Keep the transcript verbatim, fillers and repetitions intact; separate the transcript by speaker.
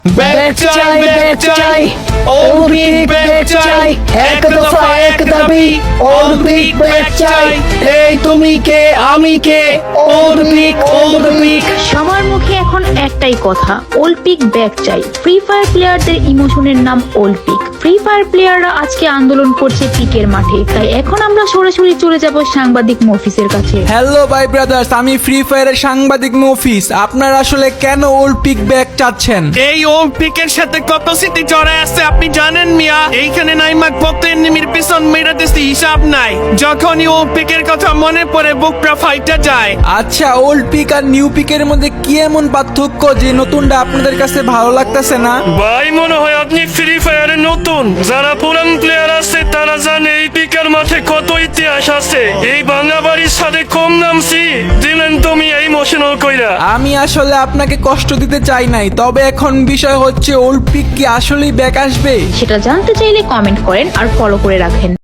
Speaker 1: Back চাই back চাই Olympic back চাই এক দফা এক দাবি অলিম্পিক ব্যাক চাই এই তুমি কে আমি কে অলিম্পিক অলিম্পিক
Speaker 2: সবার মুখে এখন একটাই কথা, অলিম্পিক ব্যাক চাই। ফ্রি ফায়ার প্লেয়ারদের ইমোশনের নাম অলিম্পিক। ফ্রি ফায়ার প্লেয়াররা আজকে আন্দোলন করছে পিকের মাঠে, তাই এখন আমরা সরাসরি চলে যাব সাংবাদিক মফিসের কাছে।
Speaker 3: হ্যালো ভাই ব্রাদার্স, আমি ফ্রি ফায়ারের সাংবাদিক মফিস। আপনারা আসলে কেন অলিম্পিক ব্যাক চাচ্ছেন?
Speaker 4: এই অলিম্পিকের সাথে কত স্মৃতি জড়ায় আছে আপনি জানেন মিয়া? এইখানে নাইমাক কত এনিমির পিছন মেরাতেছি হিসাব নাই। যখনই অলিম্পিকের কথা মনে পড়ে বুকটা ফাইটা যায়।
Speaker 3: আচ্ছা, ওল্ড পিক আর নিউ পিকের মধ্যে কি এমন পার্থক্য যে নতুনটা আপনাদের কাছে ভালো লাগতেছে না?
Speaker 5: ভাই মনে হয় আপনি ফ্রি ফায়ারে নতুন। যারা পুরান প্লেয়ার আছে তারা জানে এই পিকের মাঠে কত ইতিহাস আছে। এই বাংলা বাড়ির সাথে কম নামছি দিলেন তুমি এই ইমোশনাল কইরা।
Speaker 3: আমি আসলে আপনাকে কষ্ট দিতে চাই নাই, তবে এখন বিষয় হচ্ছে ওল্ড পিক কি আসলেই ব্যাক আসবে?
Speaker 2: সেটা জানতে চাইলে কমেন্ট করেন আর ফলো করে রাখেন।